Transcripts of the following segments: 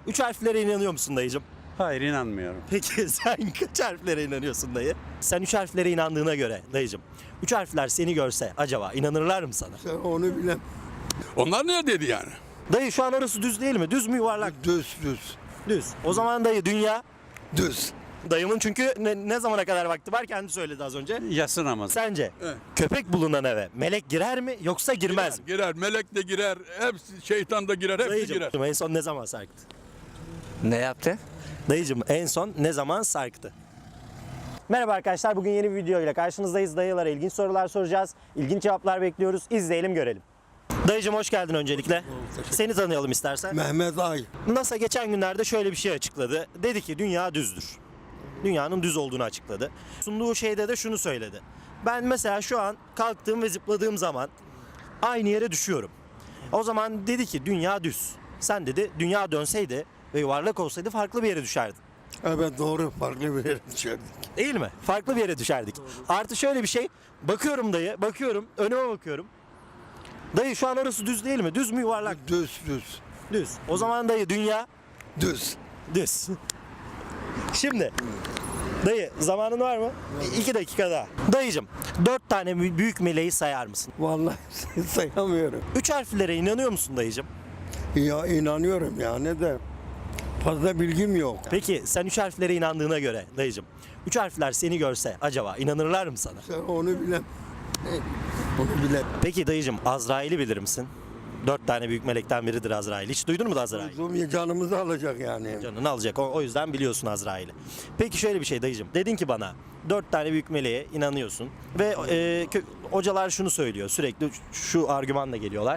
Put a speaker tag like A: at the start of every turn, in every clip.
A: Üç harflere inanıyor musun dayıcım?
B: Hayır, inanmıyorum.
A: Peki sen kaç harflere inanıyorsun dayı? Sen üç harflere inandığına göre dayıcım. Üç harfler seni görse acaba inanırlar mı sana?
C: Sen onu bilen.
D: Onlar ne dedi yani?
A: Dayı şu an orası düz değil mi? Düz mü yuvarlak?
C: Düz.
A: Düz. O zaman dayı dünya.
C: Düz.
A: Dayımın çünkü ne zamana kadar vakti var kendi söyledi az önce.
B: Yatsı namazı.
A: Sence
D: Evet.
A: köpek bulunan eve melek girer mi yoksa girmez mi?
D: Girer, melek de girer, hepsi şeytan da girer, hepsi
A: Dayıcım
D: girer.
A: en son ne zaman sarktı?
E: Ne yaptı?
A: Dayıcım en son ne zaman sarktı? Merhaba arkadaşlar, bugün yeni bir video ile karşınızdayız. Dayılara ilginç sorular soracağız. İlginç cevaplar bekliyoruz. İzleyelim, görelim. Dayıcım hoş geldin öncelikle. Seni tanıyalım istersen.
C: Mehmet Ay.
A: NASA geçen günlerde şöyle bir şey açıkladı. Dedi ki dünya düzdür. Dünyanın düz olduğunu açıkladı. Sunduğu şeyde de şunu söyledi. Ben mesela şu an kalktığım ve zıpladığım zaman aynı yere düşüyorum. O zaman dedi ki dünya düz. Sen dedi dünya dönseydi ve yuvarlak olsaydı farklı bir yere düşerdin.
C: Evet doğru, farklı bir yere düşerdik.
A: Değil mi? Farklı bir yere düşerdik. Artı şöyle bir şey. Bakıyorum dayı, bakıyorum, önüme bakıyorum. Dayı şu an orası düz değil mi? Düz mü yuvarlak?
C: Düz.
A: Düz. O zaman dayı dünya
C: Düz.
A: düz. Şimdi dayı zamanın var mı? 2 dakika daha. Dayıcım 4 tane büyük meleği sayar mısın?
C: Vallahi sayamıyorum.
A: 3 harflere inanıyor musun dayıcım?
C: Ya inanıyorum yani de fazla bilgim yok.
A: Peki sen 3 harflere inandığına göre dayıcım 3 harfler seni görse acaba inanırlar mı sana?
C: Sen onu bilen. Onu bilen.
A: Peki dayıcım Azrail'i bilir misin? 4 tane büyük melekten biridir Azrail. Hiç duydun mu da Azrail?
C: Bizim canımızı alacak yani.
A: Canını alacak. O yüzden biliyorsun Azrail'i. Peki şöyle bir şey dayıcım. Dedin ki bana 4 tane büyük meleğe inanıyorsun. Ve hocalar şunu söylüyor. Sürekli şu argümanla geliyorlar.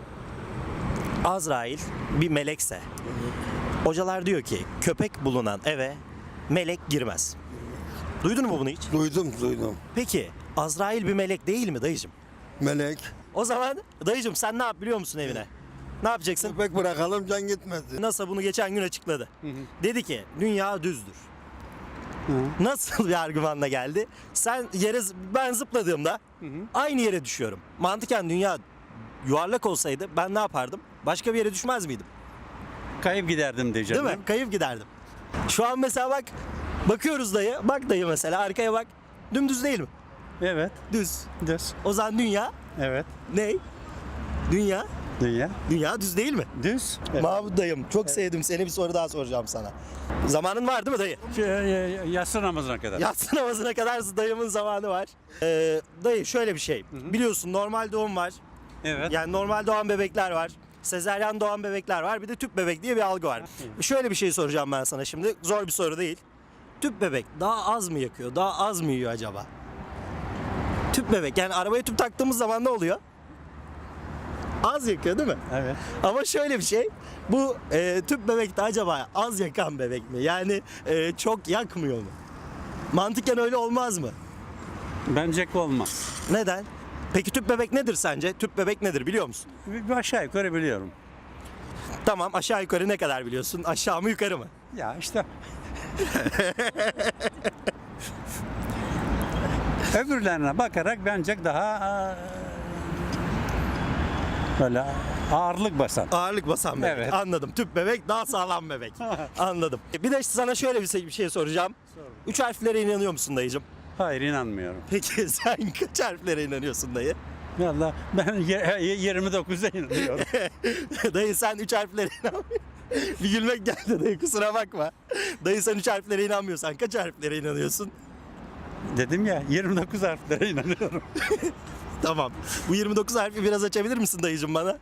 A: Azrail bir melekse hocalar diyor ki köpek bulunan eve melek girmez. Duydun mu bunu hiç?
C: Duydum.
A: Peki Azrail bir melek değil mi dayıcım?
C: Melek.
A: O zaman dayıcım sen ne yap biliyor musun evine? Ne yapacaksın?
C: Köpek bırakalım can gitmesin.
A: NASA bunu geçen gün açıkladı. Dedi ki dünya düzdür. Nasıl bir argümanla geldi? Ben zıpladığımda aynı yere düşüyorum. Mantıken dünya yuvarlak olsaydı ben ne yapardım? Başka bir yere düşmez miydim?
B: Kayıp giderdim diyeceğim.
A: Değil mi? Kayıp giderdim. Şu an mesela bak bakıyoruz dayı. Bak dayı mesela arkaya bak. Dümdüz değil mi?
B: Evet.
A: Düz.
B: Düz.
A: O zaman dünya
B: Evet.
A: ne? Dünya.
B: Dünya.
A: Dünya düz değil mi?
B: Düz. Evet.
A: Mahmut dayım çok sevdim seni, bir soru daha soracağım sana. Zamanın var değil mi dayı?
B: Yatsı namazına kadar.
A: Yatsı namazına kadar dayımın zamanı var. Dayı şöyle bir şey. Biliyorsun normal doğum var.
B: Evet.
A: Yani normal doğan bebekler var. Sezaryen doğan bebekler var. Bir de tüp bebek diye bir algı var. Şöyle bir şey soracağım ben sana şimdi. Zor bir soru değil. Tüp bebek daha az mı yakıyor? Daha az mı yiyor acaba? Tüp bebek yani arabaya tüp taktığımız zaman ne oluyor? Az yakıyor değil mi?
B: Evet.
A: Ama şöyle bir şey. Bu tüp bebek de acaba az yakan bebek mi? Yani çok yakmıyor mu? Mantıken öyle olmaz mı?
B: Bence olmaz.
A: Neden? Peki tüp bebek nedir sence? Tüp bebek nedir biliyor musun?
B: Bir aşağı yukarı biliyorum.
A: Tamam, aşağı yukarı ne kadar biliyorsun? Aşağı mı yukarı mı?
B: Ya işte. Öbürlerine bakarak bence daha böyle ağırlık basan.
A: Ağırlık basan bebek.
B: Evet.
A: Anladım. Tüp bebek daha sağlam bebek. Anladim. Bir de sana şöyle bir şey soracağım. 3 harflere inanıyor musun dayıcım?
B: Hayır, inanmıyorum.
A: Peki sen kaç harflere inanıyorsun dayı?
B: Vallahi ben 29'a inanıyorum.
A: Dayı sen 3 harflere inanmıyorsun. Bir gülmek geldi dayı, kusura bakma. Dayı sen 3 harflere inanmıyorsan kaç harflere inanıyorsun?
B: Dedim ya, 29 harflere inanıyorum.
A: Tamam. Bu 29 harfi biraz açabilir misin dayıcım bana?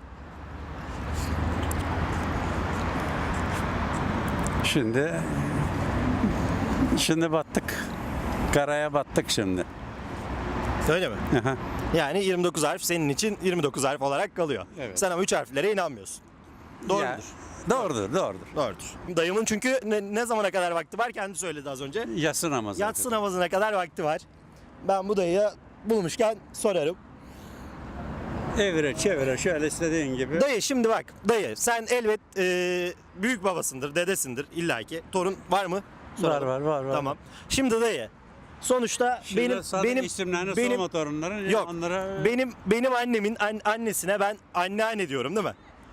B: Şimdi battık. Karaya battık şimdi.
A: Öyle mi?
B: Aha.
A: Yani 29 harf senin için 29 harf olarak kalıyor.
B: Evet.
A: Sen ama 3 harflere inanmıyorsun. Doğrudur.
B: Ya, doğrudur.
A: Doğrudur. Dayımın çünkü ne zamana kadar vakti var kendi söyledi az önce.
B: Yatsı namazı.
A: Yatsı namazına kadar vakti var. Ben bu dayıya bulmuşken sorarım.
B: Evire çevire şöyle istediğin gibi.
A: Dayı şimdi bak dayı sen elbet büyük babasındır, dedesindir illaki. Torun var mı? Soralım.
B: Var.
A: Tamam. Şimdi dayı sonuçta benim
B: isimlerini
A: benim
B: sorma torunların.
A: yok.
B: Onlara
A: Benim annemin annesine ben anneanne diyorum değil mi?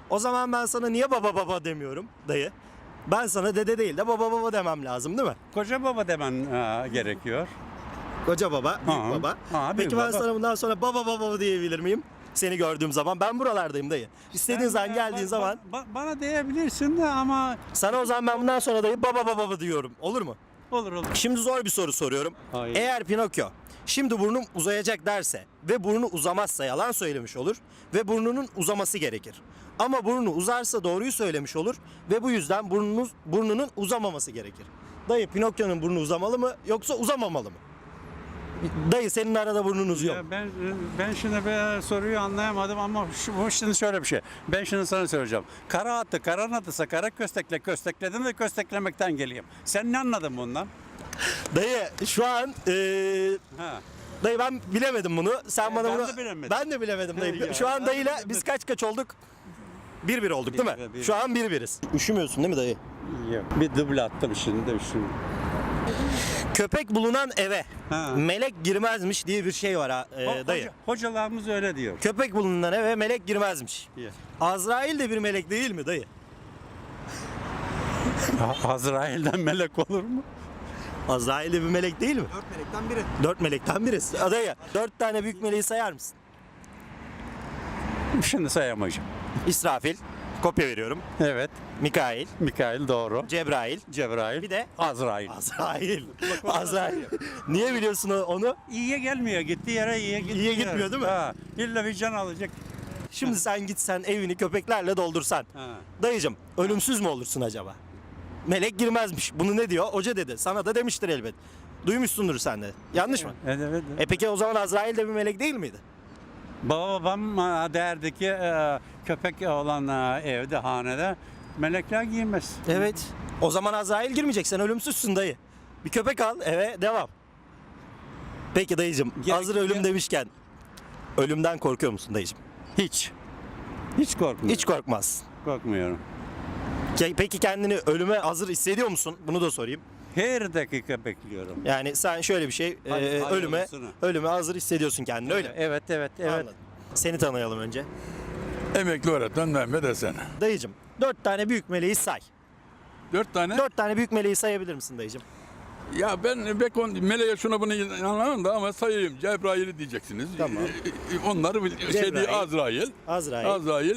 A: O zaman ben sana niye baba baba demiyorum dayı? Ben sana dede değil de baba baba demem lazım değil mi?
B: Koca baba demen gerekiyor.
A: Koca baba, büyük
B: Ha,
A: baba.
B: ha, büyük
A: Peki ben
B: baba.
A: sana bundan sonra baba baba diyebilir miyim? Seni gördüğüm zaman. Ben buralardayım dayı. İstediğin zaman geldiğin zaman
B: Bana diyebilirsin de ama
A: sana o zaman ben bundan sonra dayı baba baba diyorum. Olur mu?
B: olur.
A: Şimdi zor bir soru soruyorum.
B: Hayır.
A: Eğer Pinokyo şimdi burnum uzayacak derse ve burnu uzamazsa yalan söylemiş olur ve burnunun uzaması gerekir. Ama burnu uzarsa doğruyu söylemiş olur ve bu yüzden burnunun uzamaması gerekir. Dayı Pinokyo'nun burnu uzamalı mı yoksa uzamamalı mı? Dayı senin arada burnun uzuyor.
B: Ya ben şimdi soruyu anlayamadım ama bu şimdi şöyle bir şey. Ben şimdi sana söyleyeceğim. Kara attı, kara kara köstekledim ve kösteklemekten geleyim. Sen ne anladın bundan?
A: Dayı şu an
B: Ha.
A: dayı ben bilemedim bunu. Sen bana
B: ben
A: bunu
B: de bilemedim.
A: ben de bilemedim dayı.
B: Ya,
A: Şu an
B: ben de
A: dayıyla
B: bilemedim.
A: biz kaç olduk? 1-1 olduk değil mi?
B: 1-1.
A: Şu an 1-1'iz. Üşümüyorsun değil mi dayı?
B: Yok. Bir duble attım şimdi.
A: Köpek bulunan eve
B: Ha.
A: melek girmezmiş diye bir şey var ha, dayı.
B: Hocalarımız öyle diyor.
A: Köpek bulunan eve melek girmezmiş.
B: Yeah.
A: Azrail de bir melek değil mi dayı?
B: Azrail'den melek olur mu?
A: Azrail de bir melek değil mi?
F: 4 melekten biri.
A: 4 melekten birisi. Dayı 4 tane büyük meleği sayar mısın?
B: Şimdi sayamayacağım.
A: İsrafil, kopya veriyorum.
B: Evet.
A: Mikail,
B: Mikail doğru.
A: Cebrail,
B: Cebrail.
A: bir de
B: Azrail.
A: Azrail. Azrail. Niye biliyorsun onu?
B: İyiye gelmiyor. Gittiği yere iyiye gitmiyor.
A: İyiye gitmiyor değil mi?
B: Ha. İlla bir can alacak.
A: Şimdi sen gitsen evini köpeklerle doldursan.
B: Ha.
A: Dayıcım ölümsüz mü olursun acaba? Melek girmezmiş. Bunu ne diyor? Hoca dedi. Sana da demiştir elbet. Duymuşsundur sen de. Yanlış mı?
B: Evet.
A: Peki o zaman Azrail de bir melek değil miydi?
B: Babam derdi ki köpek olan evde, hanede melekler giymez.
A: Evet. O zaman Azrail girmeyecek. Sen ölümsüzsün dayı. Bir köpek al eve devam. Peki dayıcım hazır ölüm demişken ölümden korkuyor musun dayıcım?
B: Hiç. Hiç korkmuyorum.
A: Hiç korkmazsın.
B: korkmuyorum.
A: Peki kendini ölüme hazır hissediyor musun? Bunu da sorayım.
B: Her dakika bekliyorum.
A: Yani sen şöyle bir şey
B: hayırlısını.
A: ölüme hazır hissediyorsun kendini öyle mi?
B: Evet.
A: Anladım. Seni tanıyalım önce.
D: Emekli öğretmen Mehmet Esen.
A: Dayıcım 4 tane büyük meleği say.
D: 4 tane.
A: 4 tane büyük meleği sayabilir misin dayıcım?
D: Ya ben meleğe şuna bunu inanamam da ama sayayım. Cebrail'i diyeceksiniz.
A: Tamam.
D: Onları
A: Cebrail.
D: Azrail.
A: Azrail.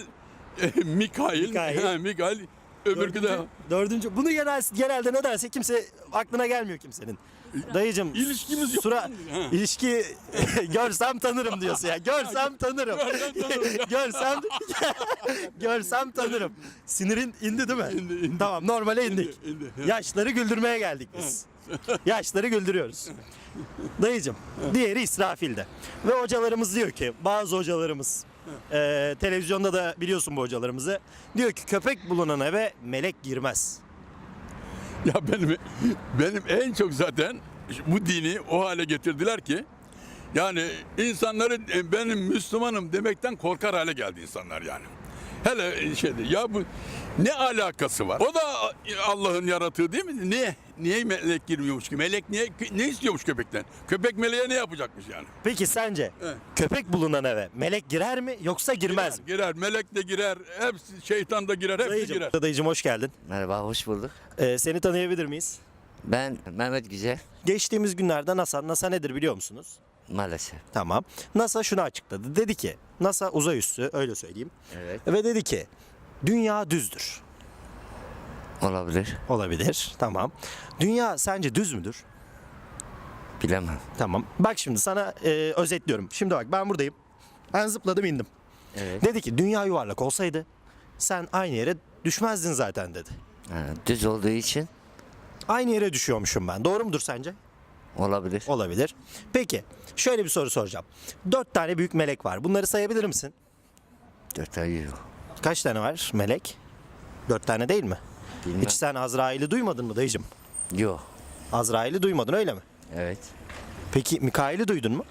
D: Mikail. Mikail. Öbürkü de
A: Dördüncü. Bunu genelde nedense kimse aklına gelmiyor kimsenin. Dayıcım.
D: İlişkimiz yok.
A: Ha. İlişki görsem tanırım diyorsun ya. Görsem tanırım. görsem görsem tanırım. Sinirin indi değil mi?
D: İndi.
A: Tamam normale indik.
D: İndi.
A: Yaşları güldürmeye geldik biz. Yaşları güldürüyoruz. Dayıcım diğeri İsrafil'de. Ve hocalarımız diyor ki bazı hocalarımız televizyonda da biliyorsun bu hocalarımızı. Diyor ki köpek bulunan eve melek girmez.
D: Ya benim en çok zaten bu dini o hale getirdiler ki yani insanları benim Müslümanım demekten korkar hale geldi insanlar yani. Hele ya bu ne alakası var? O da Allah'ın yaratığı değil mi? Niye melek girmiyormuş ki? Melek ne istiyormuş köpekten? Köpek meleğe ne yapacakmış yani?
A: Peki sence
D: Evet.
A: köpek bulunan eve melek girer mi yoksa girmez mi?
D: Girer, melek de girer, hepsi şeytan da girer, hepsi girer.
A: Dayıcım hoş geldin.
E: Merhaba, hoş bulduk.
A: Seni tanıyabilir miyiz?
E: Ben Mehmet Güzel,
A: Geçtiğimiz günlerde NASA nedir biliyor musunuz?
E: maalesef.
A: Tamam. NASA şunu açıkladı. Dedi ki NASA uzay üssü öyle söyleyeyim.
E: Evet.
A: Ve dedi ki dünya düzdür.
E: Olabilir,
A: Olabilir. Tamam. Dünya sence düz müdür?
E: bilemem.
A: Tamam. Bak şimdi sana özetliyorum. Şimdi bak ben buradayım. Ben zıpladım indim.
E: Evet.
A: Dedi ki dünya yuvarlak olsaydı sen aynı yere düşmezdin zaten dedi.
E: Ha, düz olduğu için
A: Aynı yere düşüyormuşum ben. Doğru mudur sence?
E: olabilir.
A: Olabilir. Peki şöyle bir soru soracağım. 4 tane büyük melek var. Bunları sayabilir misin?
E: 4 ay yok.
A: Kaç tane var melek? 4 tane değil mi?
E: Bilmem.
A: Hiç sen Azrail'i duymadın mı dayıcım?
E: Yok.
A: Azrail'i duymadın öyle mi?
E: Evet.
A: Peki Mikail'i duydun mu?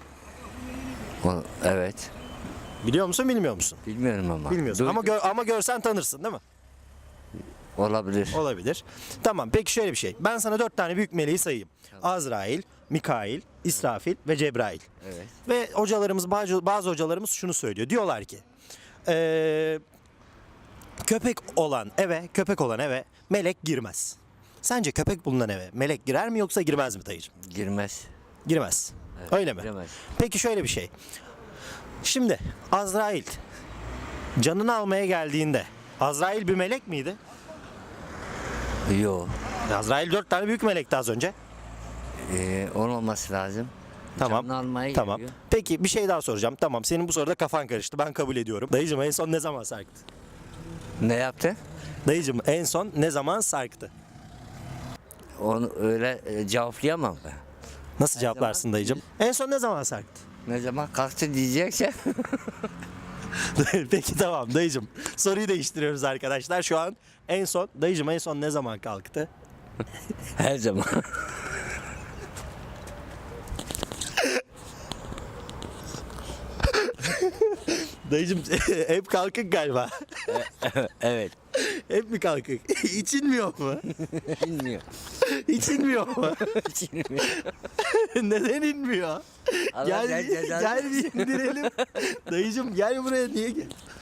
E: Evet.
A: Biliyor musun bilmiyor musun?
E: Bilmiyorum ama.
A: Bilmiyorsun
E: Duydum.
A: ama görsen tanırsın değil mi?
E: Olabilir.
A: Olabilir. Tamam peki şöyle bir şey. Ben sana 4 tane büyük meleği sayayım. Azrail, Mikail, İsrafil ve Cebrail.
E: Evet.
A: Ve hocalarımız bazı hocalarımız şunu söylüyor. Diyorlar ki köpek olan eve melek girmez. Sence köpek bulunan eve melek girer mi yoksa girmez mi dayıcım?
E: Girmez.
A: Girmez. Öyle mi?
E: Giremez.
A: Peki şöyle bir şey. Şimdi Azrail canını almaya geldiğinde Azrail bir melek miydi?
E: Yok.
A: Azrail 4 tane büyük melekti az önce.
E: Onun olması lazım.
A: Tamam.
E: Canını almaya
A: Tamam.
E: geliyor.
A: Peki bir şey daha soracağım. Tamam, senin bu soruda kafan karıştı. Ben kabul ediyorum. Dayıcım en son ne zaman sarktı?
E: Ne yaptı?
A: Dayıcım en son ne zaman sarktı?
E: Onu öyle cevaplayamam ben.
A: Nasıl cevaplarsın dayıcım? En son ne zaman sarktı?
E: Ne zaman kalktı diyecekse
A: Peki tamam dayıcım. Soruyu değiştiriyoruz arkadaşlar. Şu an en son ne zaman kalktı?
E: her zaman.
A: Dayıcım hep kalkık galiba.
E: Evet.
A: Hep mi kalkık? İçilmiyor mu?
E: Bilmiyor.
A: İçilmiyor mu? Neden inmiyor?
E: Allah
A: Gel,
E: sen cezanı
A: gel bir indirelim. Dayıcım gel buraya, niye gel?